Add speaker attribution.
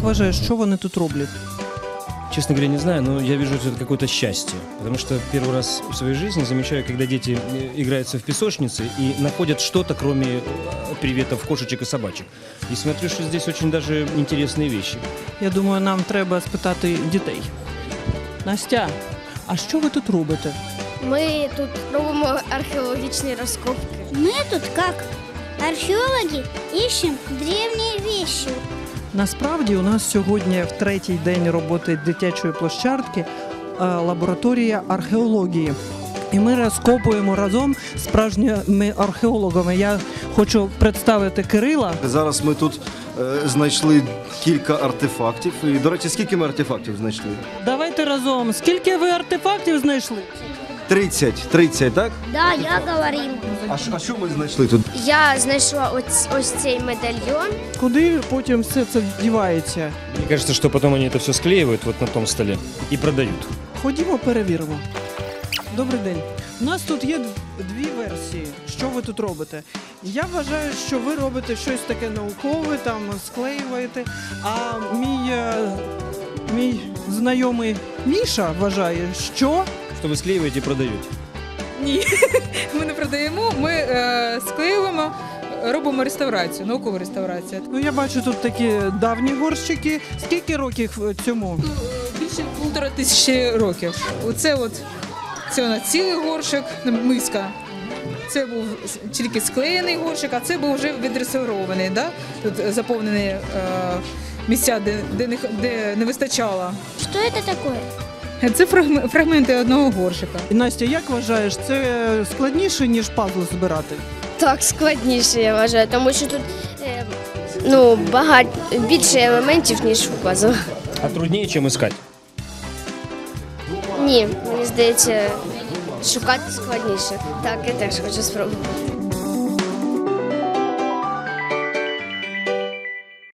Speaker 1: вважаєш, що вони тут роблять?
Speaker 2: Честно говоря, не знаю, но я вижу это какое-то счастье. Потому что первый раз в своей жизни замечаю, когда дети играются в песочнице и находят что-то, кроме приветов кошечек и собачек. И смотрю, что здесь очень даже интересные вещи.
Speaker 1: Я думаю, нам треба спитати дітей. Настя, а що ви тут робите?
Speaker 3: Ми тут робимо археологічні розкопки.
Speaker 4: Мы тут как археологи ищем древние вещи.
Speaker 1: Насправді у нас сьогодні в третій день роботи дитячої площадки лабораторія археології. І ми розкопуємо разом з справжніми археологами. Я хочу представити Кирила.
Speaker 5: Зараз ми тут знайшли кілька артефактів. І, до речі, скільки ми артефактів знайшли?
Speaker 1: Давайте разом. Скільки ви артефактів знайшли?
Speaker 5: 30, так?
Speaker 4: Да, я говорил.
Speaker 5: А що ми знайшли тут?
Speaker 3: Я знайшла ось цей медальйон.
Speaker 1: Куди потім все це вдівається?
Speaker 2: Мне кажется, что потом они это все склеивают вот на том столе и продают.
Speaker 1: Ходімо, перевіримо. Добрий день. У нас тут є дві версії, що ви тут робите. Я вважаю, що ви робите щось таке наукове, там склеюєте, а мій знайомий Міша вважає, що...
Speaker 2: Что вы склеиваете и продаете.
Speaker 6: Ні, ми не продаємо, ми склеюємо, робимо реставрацію, наукову реставрацію.
Speaker 1: Ну, я бачу тут такі давні горщики. Скільки років цьому?
Speaker 6: Більше 1500 років. Це у нас цілий горщик, миска. Це був тільки склеєний горщик, а це був вже відреставрований. Да? Тут заповнені місця, де не вистачало.
Speaker 4: Что это такое?
Speaker 6: Це фрагменти одного горщика.
Speaker 1: І, Настя, як вважаєш, це складніше, ніж пазл збирати?
Speaker 3: Так, складніше, я вважаю, тому що тут більше елементів, ніж у пазл.
Speaker 2: А труднее, чем искать.
Speaker 3: Ні, мені здається, шукати складніше. Так, я теж хочу спробувати.